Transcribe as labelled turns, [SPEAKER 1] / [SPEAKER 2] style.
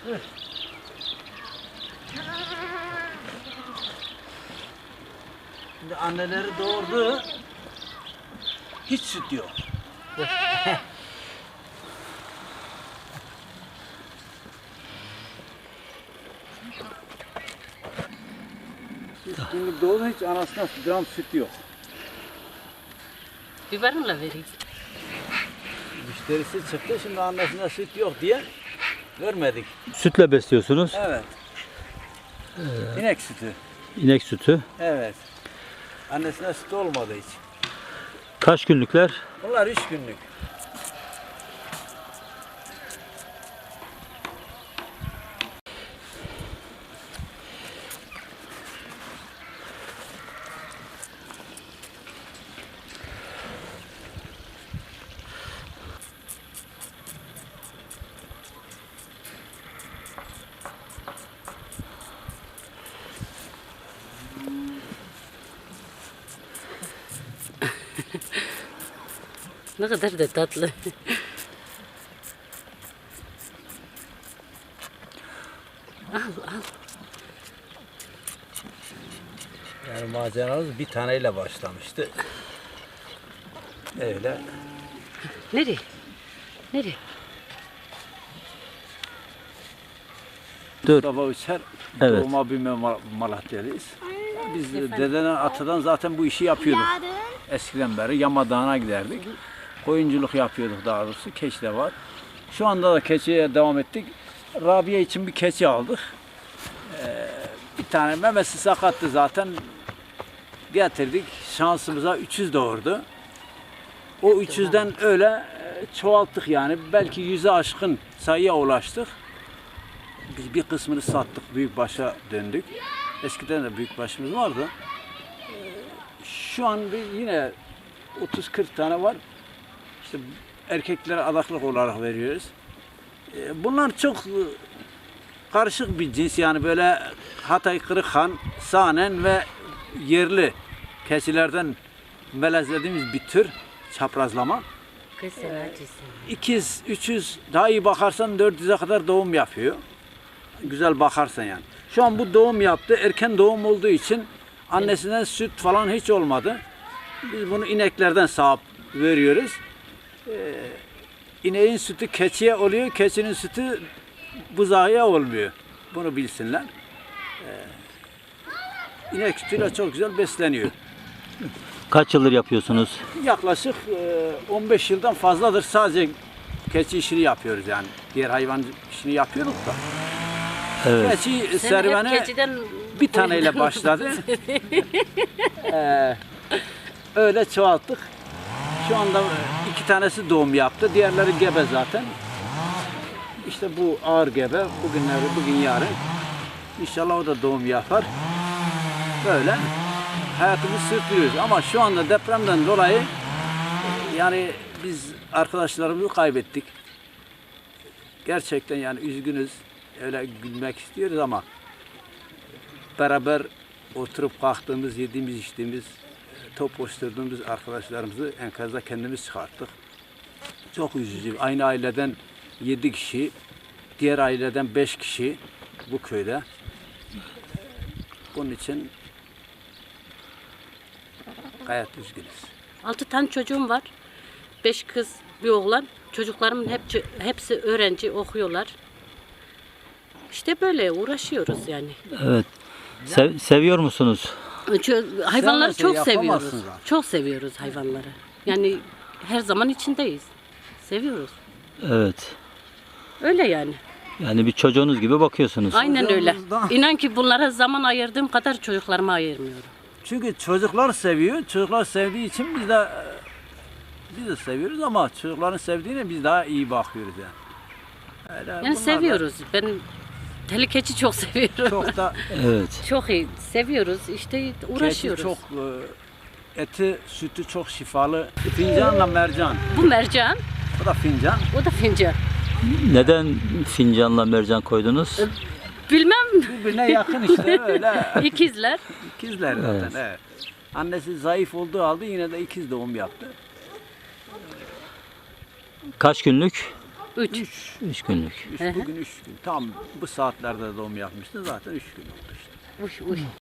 [SPEAKER 1] Şimdi anneleri doğurdu. Hiç süt yok. Şimdi doğdu hiç anasına gram süt yok.
[SPEAKER 2] Biberonla vereyim.
[SPEAKER 1] Müşterisi çıktı şimdi annesine süt yok diye vermedik.
[SPEAKER 3] Sütle besliyorsunuz.
[SPEAKER 1] Evet. İnek sütü.
[SPEAKER 3] İnek sütü.
[SPEAKER 1] Evet. Annesine süt olmadı hiç.
[SPEAKER 3] Kaç günlükler?
[SPEAKER 1] Bunlar 3 günlük.
[SPEAKER 2] Ne kadar da tatlı. Al.
[SPEAKER 1] Yani maceramız bir taneyle başlamıştı. Öyle.
[SPEAKER 2] Nereye? Nereye?
[SPEAKER 3] Dur.
[SPEAKER 1] Mustafa Uçer,
[SPEAKER 3] Evet.
[SPEAKER 1] doğma büyüme Malatyalıyız. Biz dededen, atadan zaten bu işi yapıyorduk. Eskiden beri Yama Dağı'na giderdik. Koyunculuk yapıyorduk daha doğrusu. Keçi de var. Şu anda da keçiye devam ettik. Rabia için bir keçi aldık. Bir tane memesi sakattı zaten. Getirdik. Şansımıza 300 doğurdu. O 300'den öyle çoğalttık yani. Belki 100'e aşkın sayıya ulaştık. Biz bir kısmını sattık. Büyükbaşa döndük. Eskiden de büyükbaşımız vardı. Şu an yine 30-40 tane var. İşte erkeklere adaklık olarak veriyoruz. Bunlar çok karışık bir cins yani böyle Hatay Kırıkhan, Sahnen ve yerli keçilerden melezlediğimiz bir tür çaprazlama.
[SPEAKER 2] Kız acısı.
[SPEAKER 1] 200, 300 daha iyi bakarsan 400'e kadar doğum yapıyor. Güzel bakarsan yani. Şu an bu doğum yaptı. Erken doğum olduğu için annesinden süt falan hiç olmadı. Biz bunu ineklerden sağıp veriyoruz. İneğin sütü keçiye oluyor. Keçinin sütü buzağıya olmuyor. Bunu bilsinler. İnek sütüyle çok güzel besleniyor.
[SPEAKER 3] Kaç yıldır yapıyorsunuz?
[SPEAKER 1] Yaklaşık 15 yıldan fazladır sadece keçi işini yapıyoruz yani. Diğer hayvan işini yapıyorduk da.
[SPEAKER 3] Evet.
[SPEAKER 1] Keçi
[SPEAKER 2] Sen
[SPEAKER 1] serüveni
[SPEAKER 2] hep keçiden
[SPEAKER 1] bir taneyle başladı. Öyle çoğalttık. Şu anda 2 tanesi doğum yaptı. Diğerleri gebe zaten. İşte bu ağır gebe. Bugün yarın. İnşallah o da doğum yapar. Böyle hayatımızı sürdürüyoruz. Ama şu anda depremden dolayı yani biz arkadaşlarımızı kaybettik. Gerçekten yani üzgünüz. Öyle gülmek istiyoruz ama beraber oturup kalktığımız, yediğimiz, içtiğimiz, top koşturduğumuz arkadaşlarımızı enkazda kendimiz çıkarttık. Çok üzücü. Aynı aileden 7 kişi, diğer aileden 5 kişi bu köyde. Bunun için gayet üzgünüz.
[SPEAKER 2] 6 tane çocuğum var. 5 kız, bir oğlan. Çocuklarımın hepsi öğrenci, okuyorlar. İşte böyle uğraşıyoruz yani.
[SPEAKER 3] Evet. Seviyor musunuz?
[SPEAKER 2] Hayvanları çok
[SPEAKER 1] yapamazsın
[SPEAKER 2] seviyoruz.
[SPEAKER 1] zaten.
[SPEAKER 2] Çok seviyoruz hayvanları. Yani her zaman içindeyiz. Seviyoruz.
[SPEAKER 3] Evet.
[SPEAKER 2] Öyle yani.
[SPEAKER 3] Yani bir çocuğunuz gibi bakıyorsunuz.
[SPEAKER 2] Aynen öyle.
[SPEAKER 1] Çocuğumuzdan-
[SPEAKER 2] İnan ki bunlara zaman ayırdığım kadar çocuklarıma ayırmıyorum.
[SPEAKER 1] Çünkü çocuklar seviyor. Çocuklar sevdiği için biz de seviyoruz ama çocukların sevdiğine biz daha iyi bakıyoruz yani. Öyle bunlar
[SPEAKER 2] Yani
[SPEAKER 1] da
[SPEAKER 2] seviyoruz. Ben tehlikeci çok seviyorum.
[SPEAKER 1] Çok da
[SPEAKER 3] Evet.
[SPEAKER 2] Çok iyi. Seviyoruz. İşte uğraşıyoruz.
[SPEAKER 1] keçi çok eti, sütü çok şifalı. Fincanla mercan.
[SPEAKER 2] Bu mercan,
[SPEAKER 1] Bu da fincan.
[SPEAKER 2] o da fincan.
[SPEAKER 3] Neden fincanla mercan koydunuz?
[SPEAKER 2] Bilmem.
[SPEAKER 1] Birbirine yakın işte öyle.
[SPEAKER 2] İkizler.
[SPEAKER 1] İkizler zaten.
[SPEAKER 3] Evet.
[SPEAKER 1] Evet. Annesi zayıf olduğu halde yine de ikiz doğum yaptı.
[SPEAKER 3] Kaç günlük?
[SPEAKER 2] 3.
[SPEAKER 3] 3 günlük.
[SPEAKER 1] Bugün 3 gün. Tam bu saatlerde doğum yapmıştı. Zaten 3 gün oldu işte.
[SPEAKER 2] Uş uş.